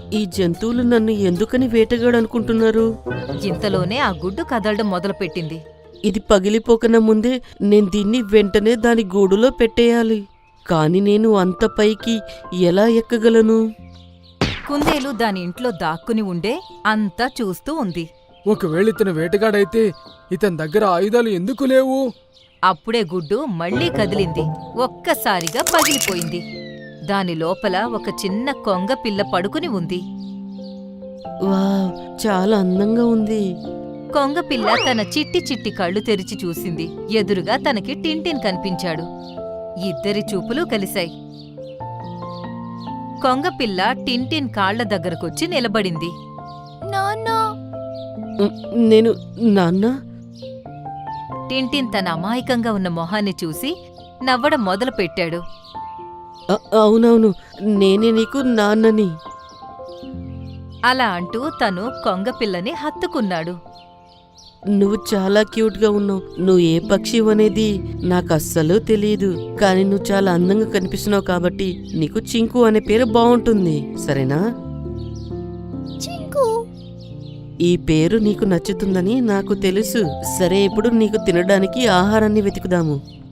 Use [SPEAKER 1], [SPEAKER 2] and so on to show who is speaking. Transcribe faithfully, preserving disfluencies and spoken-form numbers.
[SPEAKER 1] ఈ జంతువులు నన్ను ఎందుకని వేటగాడనుకుంటున్నారు?
[SPEAKER 2] ఇంతలోనే ఆ గుడ్డు కదలడం మొదలుపెట్టింది.
[SPEAKER 1] ఇది పగిలిపోకన ముందే నేను దీన్ని వెంటనే దాని గూడులో పెట్టేయాలి. కాని నేను అంత పైకి ఎలా ఎక్కగలను?
[SPEAKER 2] కుందేలు దాని ఇంట్లో దాక్కుని ఉండే అంతా చూస్తూ ఉంది.
[SPEAKER 3] ఒకవేళ ఇతను వేటగాడైతే ఇతని దగ్గర ఆయుధాలు ఎందుకు లేవు?
[SPEAKER 2] అప్పుడే గుడ్డు మళ్లీ కదిలింది. ఒక్కసారిగా పగిలిపోయింది. దాని లోపల ఒక చిన్న కొంగ పిల్ల పడుకుని ఉంది.
[SPEAKER 1] వావ్, చాలా అందంగా ఉంది.
[SPEAKER 2] కొంగపిల్ల తన చిట్టి చిట్టి కళ్ళు తెరిచి చూసింది. ఎదురుగా తనకి టింటిన్ కనిపించాడు. ఇద్దరి చూపులు కలిశాయి. కొంగపిల్ల టింటిన్ కాళ్ల దగ్గరకొచ్చి నిలబడింది.
[SPEAKER 4] నాన్నా,
[SPEAKER 1] ఉమ్, నేను నాన్న
[SPEAKER 2] టింటిన్ తన అమాయకంగా ఉన్న మొహాన్ని చూసి నవ్వడం మొదలుపెట్టాడు.
[SPEAKER 1] అ- అవునవును, నేనే నీకు నాన్నని.
[SPEAKER 2] అలా అంటూ తను కొంగపిల్లని హత్తుకున్నాడు.
[SPEAKER 1] నువ్వు చాలా క్యూట్గా ఉన్నావు. నువ్వు ఏ పక్షి అనేది నాకు అస్సలు తెలియదు. కానీ నువ్వు చాలా అందంగా కనిపిస్తున్నావు కాబట్టి నీకు చింకు అనే పేరు బాగుంటుంది, సరేనా?
[SPEAKER 4] చింకు.
[SPEAKER 1] ఈ పేరు నీకు నచ్చుతుందని నాకు తెలుసు. సరే, ఇప్పుడు నీకు తినడానికి ఆహారాన్ని వెతుకుదాము.